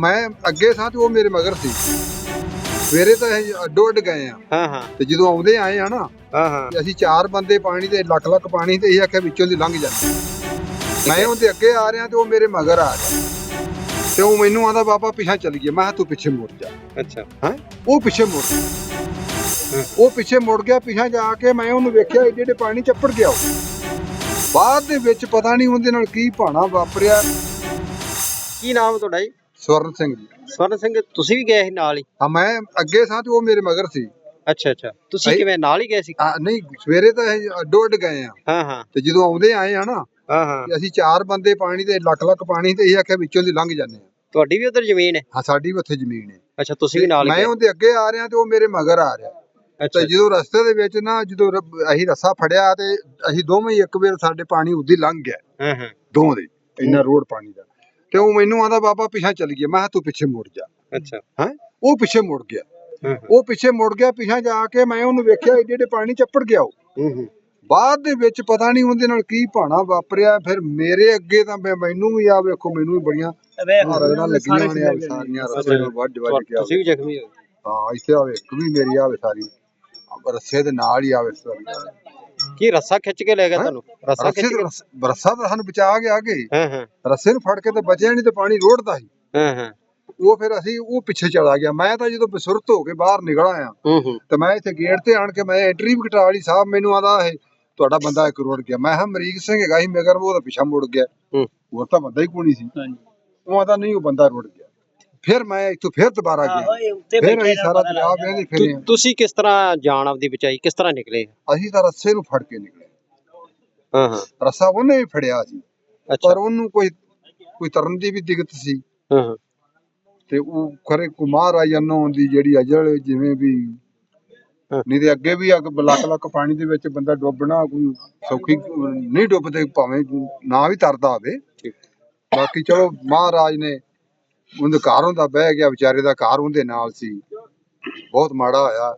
मैं अगे सां ते वो मेरे मगर सी। सवेरे तो अड्डो अड्ड गए ते जदों आउंदे आए ना ते असीं 4 बंदे पानी ते लख लख पानी ते असीं आख्या विचों दी लंघ जांदे। मैं उहदे अगे आ रहा ते वो मेरे मगर आ रहा ते वो मैनू आंदा बाबा पिछा चली गया। मैं तू पिछे मुड़ जा। अच्छा वो पिछे मुड़ गया। वो पिछे मुड़ गया। पिछा जाके मैं उहनूं वेख्या एडे एडे पानी चप्पड़ गया। बाद दे विच पता नहीं उहदे नाल की भाना वापरिया। की नाम तुहाडा जी? स्वर्ण सिंह जी। स्वर्ण ਸਿੰਘ ਤੁਸੀਂ ਵੀ ਗਏ ਸੀ ਨਾਲ ਹੀ? हाँ मैं अगे सां ते वो मेरे मगर सी। ਅੱਛਾ ਅੱਛਾ ਤੁਸੀਂ ਕਿਵੇਂ ਨਾਲ ਹੀ ਗਏ ਸੀ? नहीं सवेरे तो अड्डो अड्ड गए ਹਾਂ ਹਾਂ ते जदों आउंदे आए ना ਹਾਂ ਹਾਂ ते असीं 4 बंदे पानी ते लख लख पानी ते असीं आख्या विचों दी लंघ जांदे। ਤੁਹਾਡੀ ਵੀ ਉਧਰ ਜ਼ਮੀਨ ਹੈ? हाँ साडी भी उत्थे जमीन है। ਅੱਛਾ ਤੁਸੀਂ ਵੀ ਨਾਲ ਹੀ मैं ਗਏ? उहदे अगे आ रहा ते वो मेरे मगर आ रहा ਅੱਛਾ ਤੇ ਜਦੋਂ ਰਸਤੇ ਦੇ ਵਿੱਚ ਨਾ ਜਦੋਂ ਅਸੀਂ ਰੱਸਾ ਫੜਿਆ ਤੇ ਅਸੀਂ ਦੋਵੇਂ ਹੀ ਇੱਕ ਵੇਰ ਸਾਡੇ ਪਾਣੀ ਉਦੀ ਲੰਘ ਗਿਆ। ਹਾਂ ਹਾਂ ਦੋਵੇਂ ਦੇ ਇੰਨਾ ਰੋਡ ਪਾਣੀ ਦਾ ਤੇ ਉਹ ਮੈਨੂੰ ਆਂਦਾ ਬਾਬਾ ਪਿਛਾ ਚੱਲ ਗਿਆ। ਮੈਂ ਕਿਹਾ ਤੂੰ ਪਿੱਛੇ ਮੁੜ ਜਾ। ਅੱਛਾ ਉਹ ਪਿੱਛੇ ਮੁੜ ਗਿਆ। ਹਾਂ ਉਹ ਪਿੱਛੇ ਮੁੜ ਗਿਆ। ਪਿਛਾ ਜਾ ਕੇ ਮੈਂ ਉਹਨੂੰ ਵੇਖਿਆ ਏਡੇ ਏਡੇ ਪਾਣੀ ਚੱਪੜ ਗਿਆ। ਉਹ ਬਾਅਦ ਦੇ ਵਿੱਚ ਪਤਾ ਨਹੀਂ ਉਹਦੇ ਨਾਲ ਕੀ ਭਾਣਾ ਵਾਪਰਿਆ। ਫਿਰ ਮੇਰੇ ਅੱਗੇ ਤਾਂ ਮੈਨੂੰ ਵੀ ਆ ਵੇਖੋ ਮੈਨੂੰ ਵੀ ਬੜੀਆਂ ਰਗੜਾਂ ਲੱਗੀਆਂ ਨੇ ਸਾਰੀਆਂ ਰਸਤੇ ਨੂੰ ਵੱਢ ਵੱਢ ਕੇ। ਤੁਸੀਂ ਵੀ ਜ਼ਖਮੀ ਹੋ? ਹਾਂ ਇੱਥੇ ਆਵੇ ਇੱਕ ਵੀ ਮੇਰੀ ਆਵੇ ਸਾਰੀ ਰੱਸੇ ਦੇ ਨਾਲ ਹੀ ਆਵੇ ਸਾਰੀ। ਕੀ ਰੱਸਾ ਖਿੱਚ ਕੇ ਲੈ ਗਿਆ ਤੁਹਾਨੂੰ? ਰੱਸਾ ਖਿੱਚ ਕੇ? ਰੱਸਾ ਤਾਂ ਸਾਨੂੰ ਬਚਾ ਗਿਆ ਅੱਗੇ। ਹਾਂ ਹਾਂ ਰੱਸੇ ਨੂੰ ਫੜ ਕੇ ਤਾਂ ਬਚਿਆ ਨਹੀਂ ਤੇ ਪਾਣੀ ਰੋੜਦਾ ਸੀ। ਹਾਂ ਹਾਂ ਉਹ ਫਿਰ ਅਸੀਂ ਉਹ ਪਿੱਛੇ ਚਲਾ ਗਿਆ। ਮੈਂ ਤਾਂ ਜਦੋਂ ਬਸੁਰਤ ਹੋ ਕੇ ਬਾਹਰ ਨਿਕਲ ਆਇਆ ਤੇ ਮੈਂ ਇੱਥੇ ਗੇਟ ਤੇ ਆਣ ਕੇ ਮੈਂ ਐਂਟਰੀ ਵੀ ਕਟਾ ਲਈ। ਸਾਹਿਬ ਮੈਨੂੰ ਆਂਦਾ ਇਹ ਤੁਹਾਡਾ ਬੰਦਾ ਇੱਕ ਰੁੜ ਗਿਆ। ਮੈਂ ਕਿਹਾ ਅਮਰੀਕ ਸਿੰਘ ਹੈਗਾ ਸੀ ਮਗਰ ਉਹ ਤਾਂ ਪਿੱਛਾ ਮੁੜ ਗਿਆ। ਹੋਰ ਤਾਂ ਬੰਦਾ ਹੀ ਕੋਈ ਨਹੀਂ ਸੀ। ਉਹ ਆਂਦਾ ਨਹੀਂ ਉਹ ਬੰਦਾ ਰੁੜ ਗਿਆ। ਫਿਰ ਮੈਂ ਇੱਥੋਂ ਫਿਰ ਦੁਬਾਰਾ ਗਿਆ। ਫਿਰ ਅਸੀਂ ਸਾਰਾ ਦਰਿਆ ਵੇਖਦੇ ਫਿਰੇ। ਤੁਸੀਂ ਕਿਸ ਤਰ੍ਹਾਂ ਜਾਨ ਆਪਦੀ ਬਚਾਈ? ਕਿਸ ਤਰ੍ਹਾਂ ਨਿਕਲੇ? ਅਸੀਂ ਤਾਂ ਰੱਸੇ ਨੂੰ ਫੜ ਕੇ ਨਿਕਲੇ। ਹਾਂ ਹਾਂ ਰੱਸਾ ਉਹਨੇ ਵੀ ਫੜਿਆ ਸੀ ਅੱਛਾ ਪਰ ਉਹਨੂੰ ਕੋਈ ਤਰਨ ਦੀ ਵੀ ਦਿੱਕਤ ਸੀ ਹਾਂ ਹਾਂ ਤੇ ਉਹ ਖਰੇ ਕੁਮਾਰ ਆ ਜਨੋਂ ਦੀ ਜਿਹੜੀ ਅਜਲ ਜਿਵੇਂ ਵੀ ਨਹੀਂ ਤੇ ਅੱਗੇ ਵੀ ਅੱਗ ਲੱਖ ਲੱਖ ਪਾਣੀ ਦੇ ਵਿੱਚ ਬੰਦਾ ਡੁੱਬਣਾ ਕੋਈ ਸੌਖੀ ਨਹੀਂ ਡੁੱਬਦੇ ਭਾਵੇਂ ਨਾ ਵੀ ਤਰਦਾ ਹੋਵੇ। ਬਾਕੀ ਚਲੋ ਮਹਾਰਾਜ ਨੇ ਉਹਦੇ ਘਰ ਹੁੰਦਾ ਬਹਿ ਗਿਆ ਵਿਚਾਰੇ ਦਾ ਘਰ ਉਹਦੇ ਨਾਲ ਸੀ। ਬਹੁਤ ਮਾੜਾ ਹੋਇਆ।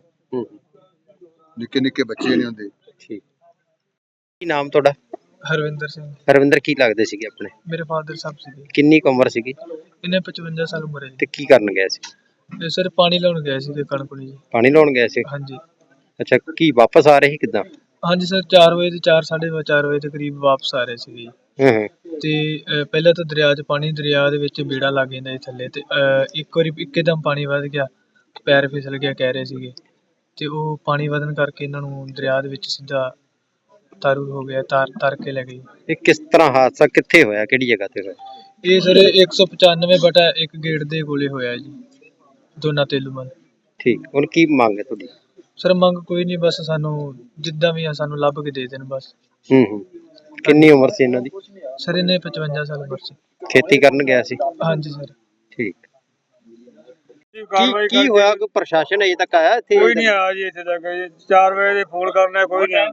ਨਿੱਕੇ ਨਿੱਕੇ ਬੱਚੇ ਨੇ ਹੁੰਦੇ। ਠੀਕ ਕੀ ਨਾਮ ਤੁਹਾਡਾ? ਹਰਵਿੰਦਰ ਸਿੰਘ। ਹਰਵਿੰਦਰ ਕੀ ਲੱਗਦੇ ਸੀਗੇ ਆਪਣੇ? ਮੇਰੇ ਫਾਦਰ ਸਾਹਿਬ ਸੀਗੇ। ਕਿੰਨੀ ਕੁ ਉਮਰ ਸੀਗੀ? ਇਹਨੇ 55 ਸਾਲ ਉਮਰ ਹੈ ਜੀ। ਤੇ ਕੀ ਕਰਨ ਗਏ ਸੀ? ਇਹ ਸਰ ਪਾਣੀ ਲਾਉਣ ਗਏ ਸੀ ਕਣਕ ਨੂੰ ਜੀ। ਪਾਣੀ ਲਾਉਣ ਗਏ ਸੀ? ਹਾਂਜੀ ਅੱਛਾ ਕੀ ਵਾਪਸ ਆ ਰਹੇ ਸੀ ਕਿੱਦਾਂ? ਹਾਂਜੀ ਸਰ 4 ਵਜੇ ਤੇ 4:30 ਵਜੇ ਦੇ ਕਰੀਬ ਵਾਪਸ ਆ ਰਹੇ ਸੀਗੇ ਜੀ। ਤੇ ਪਹਿਲਾਂ ਤਾਂ ਦਰਿਆ ਦੇ ਵਿੱਚ ਬੇੜਾ ਲੱਗ ਜਾਂਦਾ ਜੀ ਥੱਲੇ ਤੇ ਇੱਕ ਵਾਰੀ ਇੱਕਦਮ ਪਾਣੀ ਵੱਧ ਗਿਆ। ਪੈਰ ਫਿਸਲ ਗਿਆ ਕਹਿ ਰਹੇ ਸੀਗੇ ਤੇ ਉਹ ਪਾਣੀ ਵਧਣ ਕਰਕੇ ਇਹਨਾਂ ਨੂੰ ਦਰਿਆ ਦੇ ਵਿੱਚ ਸਿੱਧਾ ਤਾਰੂ ਹੋ ਗਿਆ। ਤਰ ਕੇ ਲੈ ਗਈ। ਇਹ ਕਿਸ ਤਰ੍ਹਾਂ ਹਾਦਸਾ ਕਿੱਥੇ ਹੋਇਆ? ਕਿਹੜੀ ਜਗ੍ਹਾ ਤੇ ਹੋਇਆ? ਇਹ ਸਰ 195/1 ਗੇਟ ਦੇ ਕੋਲੇ ਹੋਇਆ ਜੀ ਦੋਨਾ ਤੇਲੂਮਲ। ਠੀਕ ਹੁਣ ਕੀ ਮੰਗ ਹੈ ਤੁਹਾਡੀ? ਸਰ ਮੰਗ ਕੋਈ ਨਹੀਂ ਬਸ ਸਾਨੂੰ ਜਿੱਦਾਂ ਵੀ ਆ ਸਾਨੂੰ ਲੱਭ ਕੇ ਦੇ ਦੇਣ ਬਸ। ਕਿੰਨੀ ਉਮਰ ਸੀ ਇਹਨਾਂ ਦੀ? ਸਰ ਇਹਨੇ 55 ਸਾਲ ਉਮਰ ਸੀ। ਖੇਤੀ ਕਰਨ ਗਿਆ ਸੀ? ਹਾਂਜੀ ਸਰ। ਠੀਕ ਕੀ ਹੋਇਆ? ਕੋਈ ਪ੍ਰਸ਼ਾਸਨ ਅਜੇ ਤੱਕ ਆਇਆ ਇੱਥੇ? ਕੋਈ ਨਹੀਂ ਆਇਆ ਜੀ ਇੱਥੇ ਤੱਕ। 4 ਵਜੇ ਦੇ ਫੋਨ ਕਰਨਾ ਕੋਈ ਨਹੀਂ।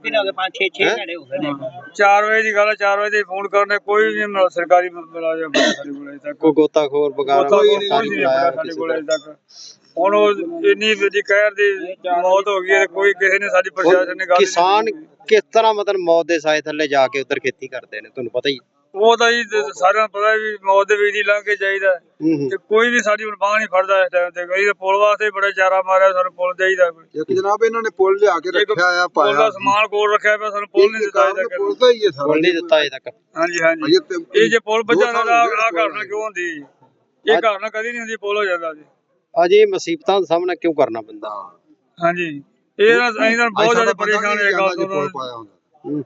4 ਵਜੇ ਦੀ ਗੱਲ ਹੈ। 4 ਵਜੇ ਦੇ ਫੋਨ ਕਰਨਾ ਕੋਈ ਨਹੀਂ ਸਰਕਾਰੀ ਮੁਲਾਜ਼ਮ ਸਾਡੇ ਕੋਲ ਅਜੇ ਤੱਕ। ਕੋਈ ਗੋਤਾਖੋਰ ਵਗੈਰਾ ਕੋਈ ਨਹੀਂ ਆਇਆ ਸਾਡੇ ਕੋਲ ਅਜੇ ਤੱਕ। ਹੁਣ ਉਹ ਇੰਨੀ ਵੱਡੀ ਕਹਿਰ ਦੀ ਮੌਤ ਹੋ ਗਈ ਹੈ ਕੋਈ ਕਿਸੇ ਨੇ ਸਾਡੀ ਪ੍ਰਸ਼ਾਸਨ ਨੇ ਗੱਲ। ਕਿਸਾਨ ਕਿਸ ਤਰ੍ਹਾਂ ਮਤਲਬ ਮੌਤ ਦੇ ਸਾਏ ਥੱਲੇ ਜਾ ਕੇ ਉੱਧਰ ਖੇਤੀ ਕਰਦੇ ਨੇ ਤੁਹਾਨੂੰ ਪਤਾ ਹੀ? ਉਹ ਤਾਂ ਜੀ ਸਾਰਿਆਂ ਨੂੰ ਪਤਾ ਵੀ ਮੌਤ ਦੇ ਵਿੱਚ ਹੀ ਲੰਘ ਕੇ ਚਾਹੀਦਾ ਤੇ ਕੋਈ ਵੀ ਸਾਡੀ ਹੁਣ ਬਾਂਹ ਨਹੀਂ ਫੜਦਾ ਇਸ ਟਾਈਮ ਤੇ। ਕੋਈ ਪੁਲ ਵਾਸਤੇ ਬੜਾ ਚਾਰਾ ਮਾਰਿਆ ਸਾਨੂੰ ਪੁਲ ਚਾਹੀਦਾ। ਇੱਕ ਜਨਾਬ ਇਹਨਾਂ ਨੇ ਪੁਲ ਲਿਆ ਕੇ ਰੱਖਿਆ ਆ ਪੁਲ ਦਾ ਸਮਾਨ ਕੋਲ ਰੱਖਿਆ ਪਿਆ ਸਾਨੂੰ ਪੁਲ ਨਹੀਂ ਦਿੱਤਾ ਅਜੇ ਤੱਕ। ਪੁਲ ਦਾ ਹੀ ਹੈ ਸਾਰਾ। ਪੁਲ ਨਹੀਂ ਦਿੱਤਾ ਅਜੇ ਤੱਕ? ਹਾਂਜੀ ਹਾਂਜੀ ਇਹ ਜੇ ਪੁਲ ਵੱਜਣਾ ਤਾਂ ਆਹ ਘਟਨਾ ਕਿਉਂ ਹੁੰਦੀ? ਇਹ ਘਟਨਾ ਕਦੀ ਨਹੀਂ ਹੁੰਦੀ ਪੁਲ ਹੋ ਜਾਂਦਾ ਜੀ। ਅਜੇ ਮੁਸੀਬਤਾਂ ਦਾ ਸਾਹਮਣਾ ਕਿਉਂ ਕਰਨਾ ਪੈਂਦਾ? ਹਾਂਜੀ ਇਹ ਅਸੀਂ ਤਾਂ ਬਹੁਤ ਜ਼ਿਆਦਾ ਪਰੇਸ਼ਾਨ ਹੋਏ ਗੱਲ ਤੋਂ।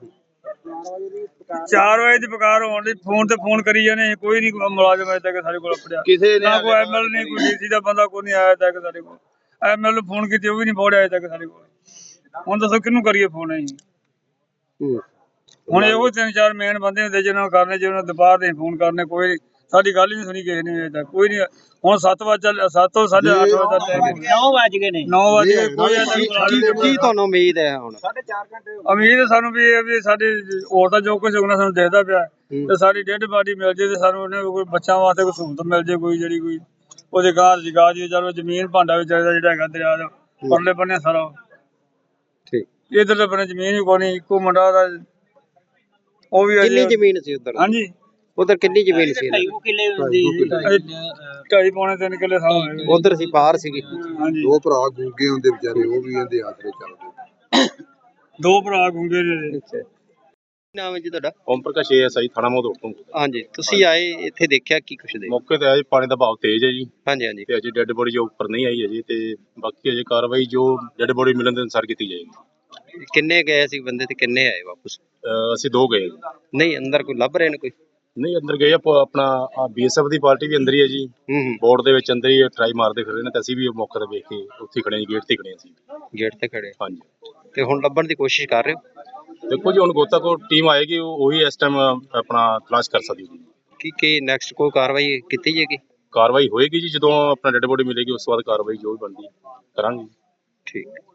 4 ਵਜੇ ਦੀ ਪੁਕਾਰ ਹੋਣ ਦੀ ਫੋਨ ਤੇ ਫੋਨ ਕਰੀ ਜਾਂਦੇ ਕੋਈ ਨਹੀਂ ਮੁਲਾਜ਼ਮ ਅਜੇ ਤੱਕ ਸਾਡੇ ਕੋਲ ਪੜਿਆ। ਕਿਸੇ ਨੇ ਕੋਈ ਐਮਐਲ ਨਹੀਂ ਕੋਈ ਡੀਸੀ ਦਾ ਬੰਦਾ ਕੋਈ ਨਹੀਂ ਆਇਆ ਤੱਕ ਸਾਡੇ ਕੋਲ। ਐਮਐਲ ਨੂੰ ਫੋਨ ਕੀਤੀ ਉਹ ਵੀ ਨਹੀਂ ਪਹੁੰਚਿਆ ਅਜੇ ਤੱਕ ਸਾਡੇ ਕੋਲ। ਹੁਣ ਦੱਸੋ ਕਿਹਨੂੰ ਕਰੀਏ ਫੋਨ ਅਸੀਂ? ਹੁਣ ਇਹੋ 3-4 ਮੇਨ ਬੰਦੇ ਹੁੰਦੇ ਜਿਹਨਾਂ ਨੂੰ ਕਰਨੇ ਜਿਹਨਾਂ ਨੂੰ ਦੁਪਹਿਰ ਦੇ ਫੋਨ ਕਰਨੇ ਕੋਈ ਸਾਡੀ ਗੱਲ ਹੀ ਨਹੀਂ ਸੁਣੀ ਕਿਸੇ ਨੇ ਅਜੇ ਤੱਕ ਕੋਈ ਨਹੀਂ। ਹੁਣ 7 ਤੋਂ 8:30 ਵਜੇ ਦਾ ਟਾਈਮ 9 ਵਜ ਗਏ ਨੇ। 9 ਵਜੇ ਕੋਈ ਕੀ ਤੁਹਾਨੂੰ ਉਮੀਦ ਹੈ ਹੁਣ? 4.5 ਘੰਟੇ ਉਮੀਦ ਸਾਨੂੰ ਵੀ ਇਹ ਵੀ ਸਾਡੇ ਹੋਰ ਤਾਂ ਜੋ ਕੁਝ ਹੋਣਾ ਸਾਨੂੰ ਦੇਖਦਾ ਪਿਆ ਤੇ ਸਾਡੀ ਡੈਡ ਬਾਡੀ ਮਿਲ ਜੇ ਤੇ ਸਾਨੂੰ ਉਹਨੇ ਕੋਈ ਬੱਚਿਆਂ ਵਾਸਤੇ ਕੋਈ ਸਹੂਲਤ ਮਿਲ ਜੇ ਕੋਈ ਜਿਹੜੀ ਕੋਈ ਉਹਦੇ ਗਾਂ ਜਗਾ ਜੀ। ਚਲੋ ਜ਼ਮੀਨ ਭਾਂਡਾ ਵੀ ਚਾਹੀਦਾ ਜਿਹੜਾ ਹੈਗਾ ਦਰਿਆ ਦਾ ਪਰਲੇ ਬੰਨੇ ਸਾਰਾ। ਠੀਕ ਇਧਰਲੇ ਬੰਨੇ ਜ਼ਮੀਨ ਵੀ ਕੋਈ ਨਹੀਂ। ਇੱਕੋ ਮੁੰਡਾ ਦਾ ਉਹ ਵੀ ਕਿੰਨੀ ਜ਼ਮੀਨ ਸੀ ਉੱਧਰ? ਹਾਂਜੀ ਉਧਰ ਕਿੰਨੀ ਜ਼ਮੀਨ ਸੀ ਇਹਨਾਂ ਦੀ? 2.5-3 ਕਿੱਲੇ ਸਾਹ ਉਧਰ ਸੀ ਪਾਰ ਸੀਗੀ। ਹਾਂਜੀ ਦੋ ਭਰਾ ਗੂੰਗੇ ਹੁੰਦੇ ਵਿਚਾਰੇ, ਉਹ ਵੀ ਇਹਦੇ ਆਸਰੇ ਚੱਲਦੇ। 2 ਭਰਾ ਗੁੰਗੇ ਨੇ। ਅੱਛਾ, ਕੀ ਨਾਮ ਹੈ ਜੀ ਤੁਹਾਡਾ? ਓਮ ਪ੍ਰਕਾਸ਼ ASI ਥਾਣਾ ਮੋਦੋੜ ਤੋਂ। ਹਾਂਜੀ, ਤੁਸੀਂ ਆਏ ਇੱਥੇ ਦੇਖਿਆ ਕੀ ਕੁਛ ਦੇ? ਮੌਕੇ ਤੇ ਆਇਆ ਜੀ, ਪਾਣੀ ਦਾ ਬਹਾਅ ਤੇਜ਼ ਹੈ ਜੀ ਹਾਂਜੀ ਹਾਂਜੀ ਤੇ ਅਜੇ ਡੈੱਡ ਬੋਡੀ ਜੋ ਉੱਪਰ ਨਹੀਂ ਆਈ ਹੈ ਜੀ, ਤੇ ਬਾਕੀ ਅਜੇ ਕਾਰਵਾਈ ਜੋ ਡੈੱਡ ਬੋਡੀ ਮਿਲਣ ਦੇ ਅਨੁਸਾਰ ਕੀਤੀ ਜਾਏਗੀ। ਕਿੰਨੇ ਗਏ ਸੀ ਬੰਦੇ ਤੇ ਕਿੰਨੇ ਆਏ ਵਾਪਸ? ਅਸੀਂ 2 ਗਏ ਜੀ। ਨਹੀਂ, ਅੰਦਰ ਕੋਈ ਲੱਭ ਰਹੇ ਨੇ ਕੋਈ? ਨਹੀਂ, ਅੰਦਰ ਗਏ ਆਪਣਾ BSF ਦੀ ਪਾਰਟੀ ਵੀ ਅੰਦਰ ਹੀ ਹੈ ਜੀ, ਹੂੰ ਬੋਰਡ ਦੇ ਵਿੱਚ ਅੰਦਰ ਹੀ ਟਰਾਈ ਮਾਰਦੇ ਫਿਰ ਰਹੇ ਨੇ, ਤੇ ਅਸੀਂ ਵੀ ਮੌਕੇ ਤੇ ਵੇਖ ਕੇ ਉੱਥੇ ਖੜੇ ਜੀ, ਗੇਟ ਤੇ ਖੜੇ ਸੀ। ਗੇਟ ਤੇ ਖੜੇ। ਹਾਂਜੀ, ਤੇ ਹੁਣ ਲੱਭਣ ਦੀ ਕੋਸ਼ਿਸ਼ ਕਰ ਰਹੇ ਹੋ? ਦੇਖੋ ਜੀ, ਹੁਣ ਗੋਤਾਖੋਰ ਟੀਮ ਆਏਗੀ, ਉਹੀ ਇਸ ਟਾਈਮ ਆਪਣਾ ਤਲਾਸ਼ ਕਰ ਸਕਦੀ ਜੀ। ਕੀ ਨੈਕਸਟ ਕੋਈ ਕਾਰਵਾਈ ਕੀਤੀ ਜਾਏਗੀ? ਕਾਰਵਾਈ ਹੋਏਗੀ ਜੀ, ਜਦੋਂ ਆਪਣਾ ਡੈੱਡ ਬੋਡੀ ਮਿਲੇਗੀ ਉਸ ਤੋਂ ਬਾਅਦ ਕਾਰਵਾਈ ਜੋ ਵੀ ਬਣਦੀ ਕਰਾਂਗੇ। ਠੀਕ।